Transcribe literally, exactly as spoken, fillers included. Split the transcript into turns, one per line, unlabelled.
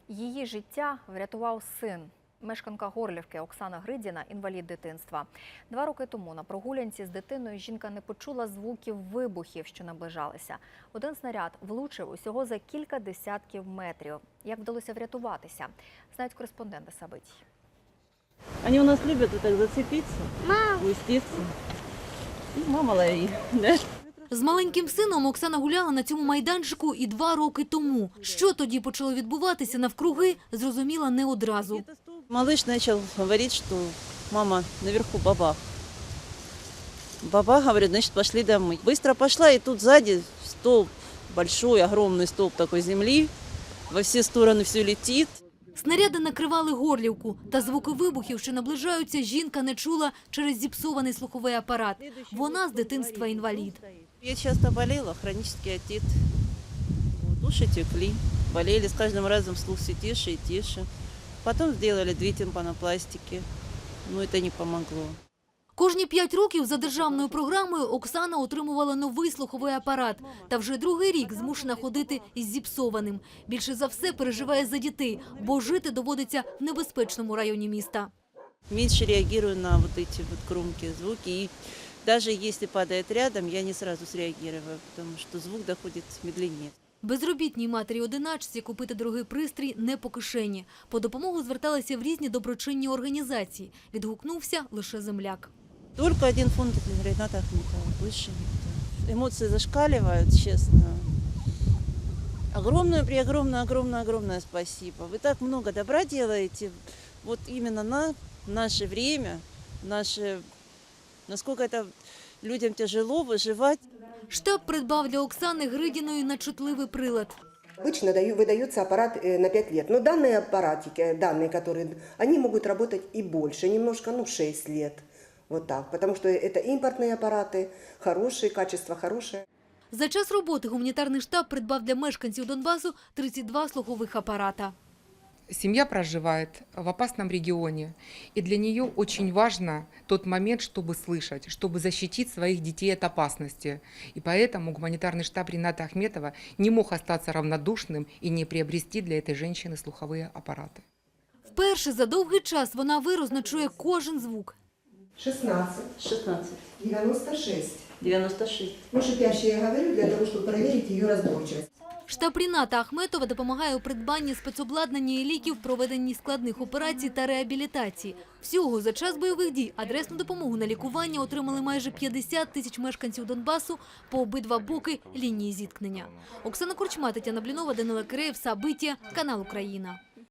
Її життя врятував син. Мешканка Горлівки Оксана Гридіна – інвалід дитинства. Два роки тому на прогулянці з дитиною жінка не почула звуків вибухів, що наближалися. Один снаряд влучив усього за кілька десятків метрів. Як вдалося врятуватися, знають кореспонденти Сабиті.
Они у нас любят вот так зацепиться, уйститься. И мама лови. Да?
З маленьким сином Оксана гуляла на цьому майданчику і два роки тому. Що тоді почало відбуватися навкруги, зрозуміла не одразу.
Малыш начал говорить, что мама, наверху бабах. Бабах, говорит, значит, пошли домой. Быстро пошла, и тут сзади столб, большой, огромный столб такой земли. Во все стороны все летит.
Снаряди накривали Горлівку, та звуки вибухів, що наближаються, жінка не чула через зіпсований слуховий апарат. Вона з дитинства інвалід.
Я часто болела, хронический отит. Вот, уши текли, болели, с каждым разом слух все тише и тише. Потом сделали две тимпанопластики, но это не помогло.
Кожні п'ять років за державною програмою Оксана отримувала новий слуховий апарат. Та вже другий рік змушена ходити із зіпсованим. Більше за все переживає за дітей, бо жити доводиться в небезпечному районі міста.
Меньше реагирую на вот эти вот громкие звуки. И даже если падает рядом, я не сразу среагирую, потому что звук доходит медленнее.
Безробітній матері-одиначці купити дорогий пристрій не по кишені. По допомогу зверталися в різні доброчинні організації. Відгукнувся лише земляк.
Только один фонд Рената Ахметова, больше никто. Эмоции зашкаливают, честно. Огромное, преогромное, огромное, огромное спасибо. Вы так много добра делаете. Вот именно на наше время, наше, насколько это людям тяжело выживать.
Штаб придбав для Оксани Гридіної начутливий прилад.
Обычно выдается аппарат на пять лет, но данные аппаратики, данные, которые, они могут работать и больше, немножко, ну, шесть лет. Вот так, потому что это импортные аппараты, хорошие, качество хорошее.
За час роботи гуманітарний штаб придбав для мешканців Донбасу тридцять два слухових апарата.
Семья проживает в опасном регионе, и для нее очень важно тот момент, чтобы слышать, чтобы защитить своих детей от опасности. И поэтому гуманитарный штаб Рената Ахметова не мог остаться равнодушным и не приобрести для этой женщины слуховые аппараты.
Вперше за довгий час вона виразно чує кожен звук.
шестнадцать,
шестнадцать,
девяносто шесть.
девяносто шесть.
Ну, шипяще я говорю для того, чтобы проверить ее разборчивость.
Штаб Рената Ахметова допомагає у придбанні спецобладнання і ліків, проведенні складних операцій та реабілітації. Всього за час бойових дій адресну допомогу на лікування отримали майже п'ятдесят тисяч мешканців Донбасу по обидва боки лінії зіткнення. Оксана Корчма, Тетяна Блінова, Данила Киреєв, Сабиття, канал Україна.